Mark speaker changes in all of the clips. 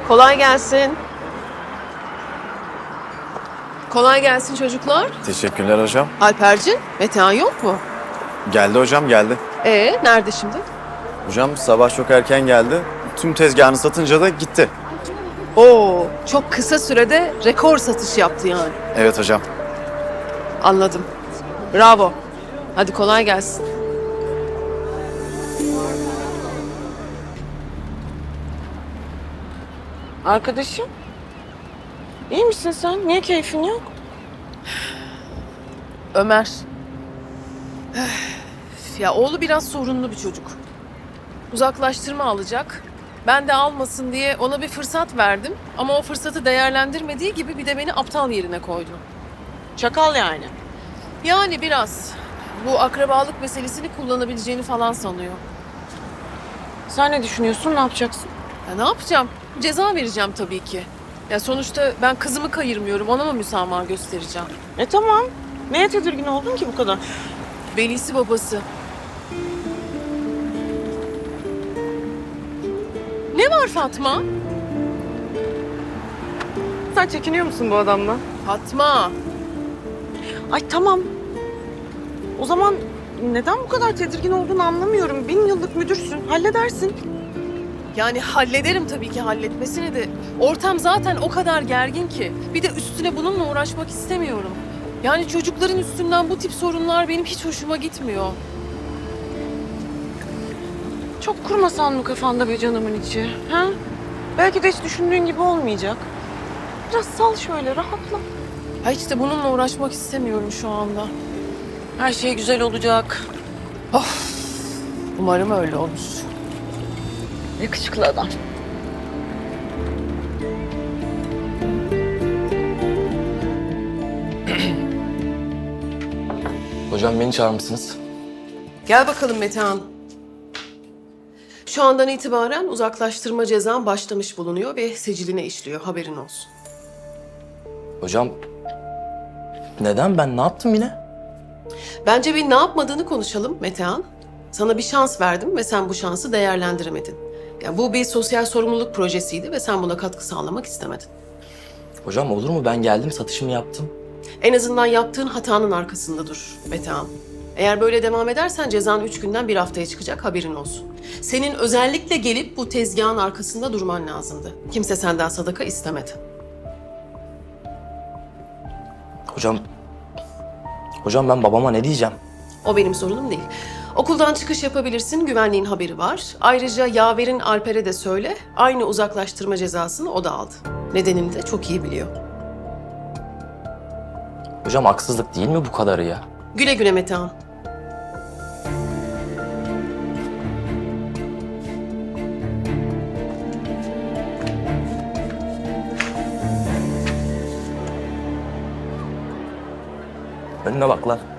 Speaker 1: Kolay gelsin. Kolay gelsin çocuklar.
Speaker 2: Teşekkürler hocam.
Speaker 1: Alpercin, Metehan yok mu?
Speaker 2: Geldi hocam, geldi.
Speaker 1: Nerede şimdi?
Speaker 2: Hocam sabah çok erken geldi. Tüm tezgahını satınca da gitti.
Speaker 1: Oo, çok kısa sürede rekor satış yaptı yani.
Speaker 2: Evet hocam.
Speaker 1: Anladım. Bravo. Hadi kolay gelsin.
Speaker 3: Arkadaşım, iyi misin sen? Niye keyfin yok?
Speaker 1: Ömer. Ya oğlu biraz sorunlu bir çocuk. Uzaklaştırma alacak. Ben de almasın diye ona bir fırsat verdim. Ama o fırsatı değerlendirmediği gibi bir de beni aptal yerine koydu.
Speaker 3: Çakal yani.
Speaker 1: Yani biraz. Bu akrabalık meselesini kullanabileceğini falan sanıyor.
Speaker 3: Sen ne düşünüyorsun, ne yapacaksın?
Speaker 1: Ya ne yapacağım? Ceza vereceğim tabii ki. Ya sonuçta ben kızımı kayırmıyorum. Ona mı müsamaha göstereceğim?
Speaker 3: Tamam. Neye tedirgin oldun ki bu kadar?
Speaker 1: Velisi babası. Ne var Fatma?
Speaker 3: Sen çekiniyor musun bu adamdan?
Speaker 1: Fatma.
Speaker 3: Ay tamam. O zaman neden bu kadar tedirgin olduğunu anlamıyorum. 1000 yıllık müdürsün, halledersin.
Speaker 1: Yani hallederim tabii ki halletmesini de. Ortam zaten o kadar gergin ki. Bir de üstüne bununla uğraşmak istemiyorum. Yani çocukların üstünden bu tip sorunlar benim hiç hoşuma gitmiyor.
Speaker 3: Çok kurmasan mı kafanda be canımın içi? Ha? Belki de hiç düşündüğün gibi olmayacak. Biraz sal şöyle, rahatla.
Speaker 1: Ha hiç de bununla uğraşmak istemiyorum şu anda.
Speaker 3: Her şey güzel olacak.
Speaker 1: Umarım öyle olur.
Speaker 3: Yakışıklı adam.
Speaker 4: Hocam beni çağırmışsınız.
Speaker 1: Gel bakalım Metehan. Şu andan itibaren uzaklaştırma cezan başlamış bulunuyor ve siciline işliyor. Haberin olsun.
Speaker 4: Hocam neden, ben ne yaptım yine?
Speaker 1: Bence bir ne yapmadığını konuşalım Metehan. Sana bir şans verdim ve sen bu şansı değerlendiremedin. Yani bu bir sosyal sorumluluk projesiydi ve sen buna katkı sağlamak istemedin.
Speaker 4: Hocam olur mu, ben geldim satışımı yaptım.
Speaker 1: En azından yaptığın hatanın arkasında dur Metehan. Eğer böyle devam edersen cezan 3 günden 1 haftaya çıkacak, haberin olsun. Senin özellikle gelip bu tezgahın arkasında durman lazımdı. Kimse senden sadaka istemedi.
Speaker 4: Hocam ben babama ne diyeceğim?
Speaker 1: O benim sorunum değil. Okuldan çıkış yapabilirsin, güvenliğin haberi var. Ayrıca yaverin Alper'e de söyle, aynı uzaklaştırma cezasını o da aldı. Nedenini de çok iyi biliyor.
Speaker 4: Hocam haksızlık değil mi bu kadarı ya?
Speaker 1: Güle güle Metehan.
Speaker 4: Önüne bak lan.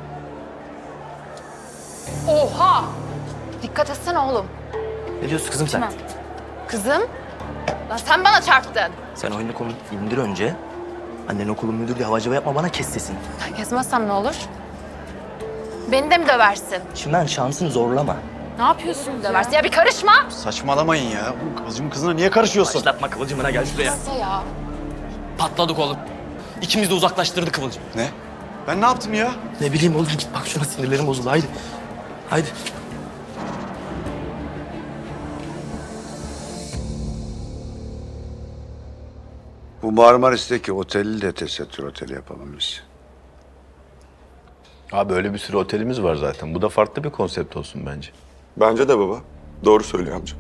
Speaker 5: Oha! Dikkat etsene oğlum.
Speaker 4: Ne diyorsun kızım sen?
Speaker 5: Kızım, lan sen bana çarptın.
Speaker 4: Sen oyunu konu indir önce. Annen okulun müdürü diye havacıva yapma, bana kes sesini.
Speaker 5: Kesmezsem ne olur? Beni de mi döversin?
Speaker 4: Şimdiden şansını zorlama.
Speaker 5: Ne yapıyorsun döversin? Ya bir karışma.
Speaker 6: Saçmalamayın ya. Bu Kıvılcım'ın kızına niye karışıyorsun?
Speaker 4: Başlatma Kıvılcım'ına, gel şuraya.
Speaker 5: Nasıl ya?
Speaker 4: Patladık oğlum. İkimiz de uzaklaştırdı Kıvılcım.
Speaker 6: Ne? Ben ne yaptım ya?
Speaker 4: Ne bileyim oğlum, git bak şuna, sinirlerim bozuldu, haydi. Haydi.
Speaker 7: Bu Marmaris'teki oteli de tesettür oteli yapalım biz.
Speaker 8: Abi öyle bir sürü otelimiz var zaten. Bu da farklı bir konsept olsun bence.
Speaker 9: Bence de baba. Doğru söylüyor amca.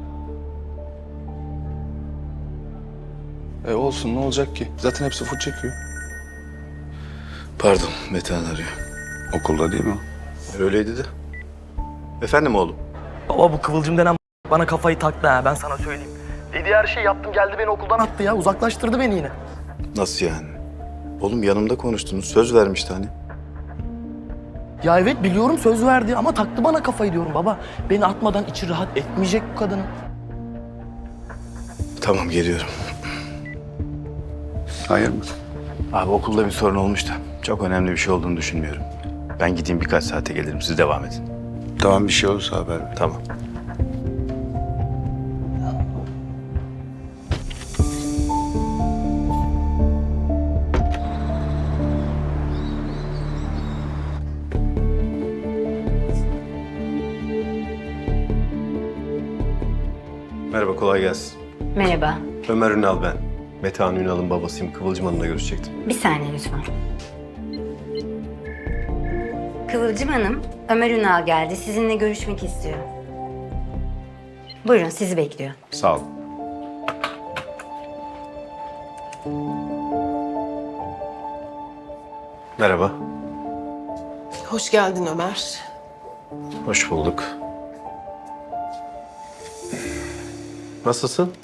Speaker 6: Olsun, ne olacak ki? Zaten hepsi full çekiyor.
Speaker 8: Pardon, Metehan arıyor.
Speaker 7: Okulda değil mi o?
Speaker 8: Öyleydi de. Efendim oğlum?
Speaker 4: Baba bu Kıvılcım denen bana kafayı taktı ha, ben sana söyleyeyim. Dediği her şeyi yaptım, geldi beni okuldan attı ya, uzaklaştırdı beni yine.
Speaker 8: Nasıl yani? Oğlum yanımda konuştunuz, söz vermişti hani.
Speaker 4: Ya evet biliyorum, söz verdi ama taktı bana kafayı diyorum baba. Beni atmadan içi rahat etmeyecek bu kadının.
Speaker 8: Tamam, geliyorum.
Speaker 7: Hayır mı?
Speaker 8: Abi okulda bir sorun olmuş da çok önemli bir şey olduğunu düşünmüyorum. Ben gideyim, birkaç saate gelirim, siz devam edin.
Speaker 7: Tamam, bir şey olursa haber ver.
Speaker 8: Tamam.
Speaker 10: Merhaba, kolay gelsin.
Speaker 11: Merhaba.
Speaker 10: Ömer Ünal ben. Metehan Ünal'ın babasıyım. Kıvılcım Hanım'la görüşecektim.
Speaker 11: Bir saniye lütfen. Kıvılcım Hanım, Ömer Ünal geldi. Sizinle görüşmek istiyor. Buyurun, sizi bekliyor.
Speaker 10: Sağ ol. Merhaba.
Speaker 1: Hoş geldin Ömer.
Speaker 10: Hoş bulduk. Nasılsın?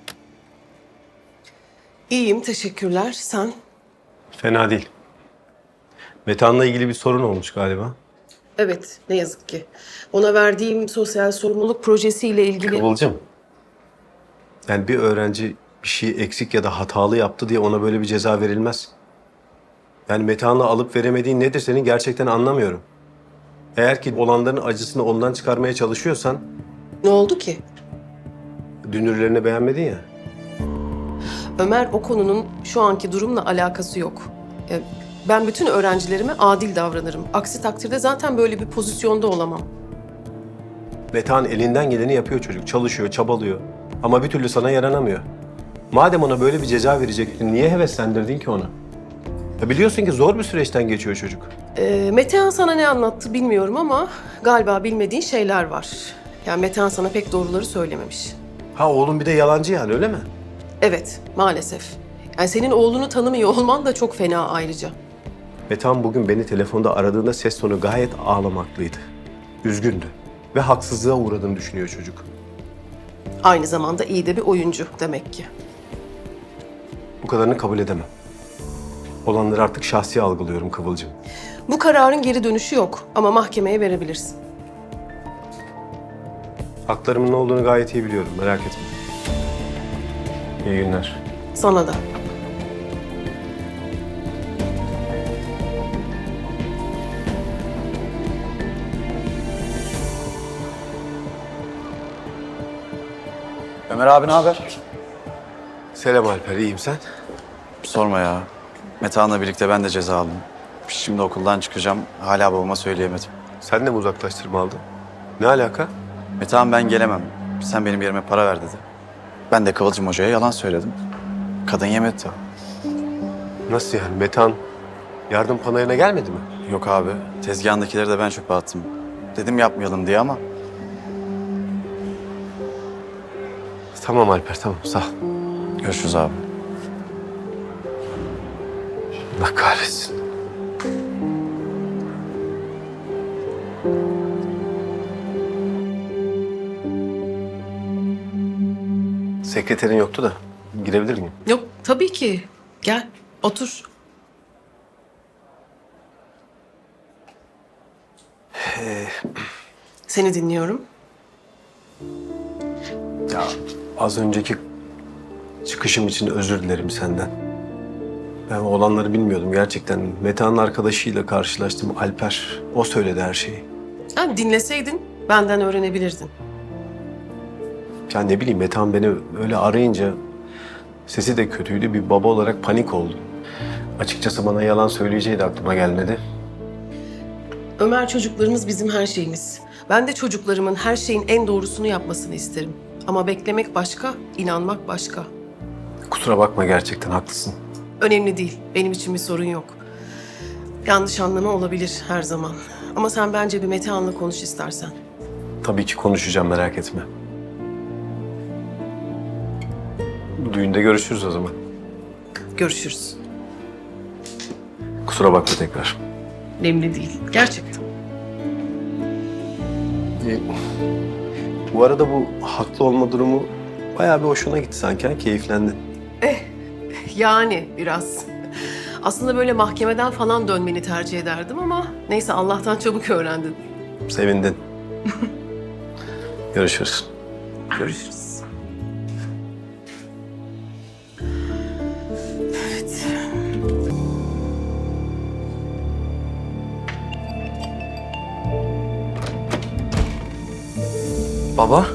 Speaker 1: İyiyim, teşekkürler. Sen?
Speaker 10: Fena değil. Metehan'la ilgili bir sorun olmuş galiba.
Speaker 1: Evet, ne yazık ki. Ona verdiğim sosyal sorumluluk projesiyle ilgili...
Speaker 10: Kıvılcım. Yani bir öğrenci bir şey eksik ya da hatalı yaptı diye ona böyle bir ceza verilmez. Yani Metehan'la alıp veremediğin nedir senin gerçekten anlamıyorum. Eğer ki olanların acısını ondan çıkarmaya çalışıyorsan
Speaker 1: Ne oldu ki?
Speaker 10: dünürlerini beğenmedin ya.
Speaker 1: Ömer, o konunun şu anki durumla alakası yok. Ben bütün öğrencilerime adil davranırım. Aksi takdirde zaten böyle bir pozisyonda olamam.
Speaker 10: Metehan elinden geleni yapıyor çocuk. Çalışıyor, çabalıyor. Ama bir türlü sana yaranamıyor. Madem ona böyle bir ceza verecektin, niye heveslendirdin ki onu? Ya biliyorsun ki zor bir süreçten geçiyor çocuk.
Speaker 1: Metehan sana ne anlattı bilmiyorum ama galiba bilmediğin şeyler var. Yani Metehan sana pek doğruları söylememiş.
Speaker 10: Ha oğlum bir de yalancı yani öyle mi?
Speaker 1: Evet, maalesef. Yani senin oğlunu tanımıyor olman da çok fena ayrıca.
Speaker 10: Metehan bugün beni telefonda aradığında ses tonu gayet ağlamaklıydı. Üzgündü. Ve haksızlığa uğradığını düşünüyor çocuk.
Speaker 1: Aynı zamanda iyi de bir oyuncu demek ki.
Speaker 10: Bu kadarını kabul edemem. Olanları artık şahsi algılıyorum Kıvılcım.
Speaker 1: Bu kararın geri dönüşü yok ama mahkemeye verebilirsin.
Speaker 10: Haklarımın ne olduğunu gayet iyi biliyorum, merak etme. İyi günler.
Speaker 1: Sana da.
Speaker 2: Ömer abi ne haber?
Speaker 10: Selam Alper, iyiyim sen?
Speaker 2: Sorma ya. Metehan'la birlikte ben de ceza aldım. Şimdi okuldan çıkacağım. Hala babama söyleyemedim.
Speaker 10: Sen de mi uzaklaştırma aldın? Ne alaka?
Speaker 2: Metehan ben gelemem. Sen benim yerime para ver dedi. Ben de Kıvılcım Hoca'ya yalan söyledim. Kadın yemedi tabii.
Speaker 10: Nasıl yani? Metehan yardım panayına gelmedi mi?
Speaker 2: Yok abi. Tezgahındakileri de ben çöpe attım. Dedim yapmayalım diye ama
Speaker 10: Tamam Alper, tamam. Sağ ol.
Speaker 2: görüşürüz abi.
Speaker 10: Allah kahretsin. Sekreterin yoktu da girebilir miyim?
Speaker 1: Yok, tabii ki. Gel, otur. Seni dinliyorum.
Speaker 10: Ya az önceki çıkışım için özür dilerim senden. Ben olanları bilmiyordum gerçekten. Metehan'ın arkadaşıyla karşılaştım, Alper. O söyledi her şeyi.
Speaker 1: Yani dinleseydin benden öğrenebilirdin.
Speaker 10: Ya ne bileyim Metehan beni öyle arayınca sesi de kötüydü. Bir baba olarak panik oldum. Açıkçası bana yalan söyleyeceği de aklıma gelmedi.
Speaker 1: Ömer, çocuklarımız bizim her şeyimiz. Ben de çocuklarımın her şeyin en doğrusunu yapmasını isterim. Ama beklemek başka, inanmak başka.
Speaker 10: Kusura bakma gerçekten haklısın.
Speaker 1: Önemli değil. Benim için bir sorun yok. Yanlış anlama olabilir her zaman. Ama sen bence bir Metehan'la konuş istersen.
Speaker 10: Tabii ki konuşacağım merak etme. Bu düğünde görüşürüz o zaman.
Speaker 1: Görüşürüz.
Speaker 10: Kusura bakma tekrar.
Speaker 1: Önemli değil. Gerçekten.
Speaker 10: Bu arada bu haklı olma durumu bayağı bir hoşuna gitti sanki, ha? Keyiflendin.
Speaker 1: Yani biraz. Aslında böyle mahkemeden falan dönmeni tercih ederdim ama neyse Allah'tan çabuk öğrendin.
Speaker 10: Sevindin. Görüşürüz.
Speaker 1: Görüşürüz. Evet.
Speaker 8: Baba?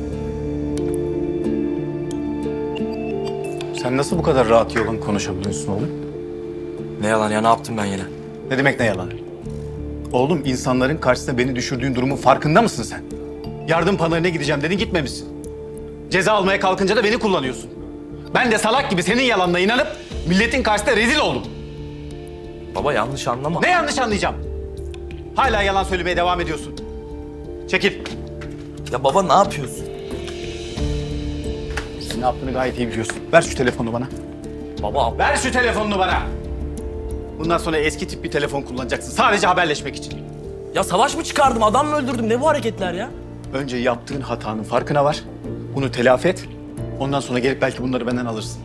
Speaker 8: Sen nasıl bu kadar rahat yolun konuşabiliyorsun oğlum?
Speaker 4: Ne yalan ya, ne yaptım ben yine?
Speaker 8: Ne demek ne yalan? Oğlum insanların karşısında beni düşürdüğün durumun farkında mısın sen? Yardım panayına gideceğim dedin, gitmemişsin.
Speaker 2: Ceza almaya kalkınca da beni kullanıyorsun. Ben de salak gibi senin yalanına inanıp milletin karşısında rezil oldum.
Speaker 4: Baba yanlış anlama.
Speaker 2: Ne yanlış anlayacağım? Hala yalan söylemeye devam ediyorsun. Çekil.
Speaker 4: Ya baba ne yapıyorsun?
Speaker 2: Sen ne yaptığını gayet iyi biliyorsun. Ver şu telefonu bana.
Speaker 4: Baba
Speaker 2: Ver şu telefonunu bana. Bundan sonra eski tip bir telefon kullanacaksın. Sadece haberleşmek için.
Speaker 4: ya savaş mı çıkardım, adam mı öldürdüm? Ne bu hareketler ya?
Speaker 2: Önce yaptığın hatanın farkına var. Bunu telafi et. Ondan sonra gelip belki bunları benden alırsın.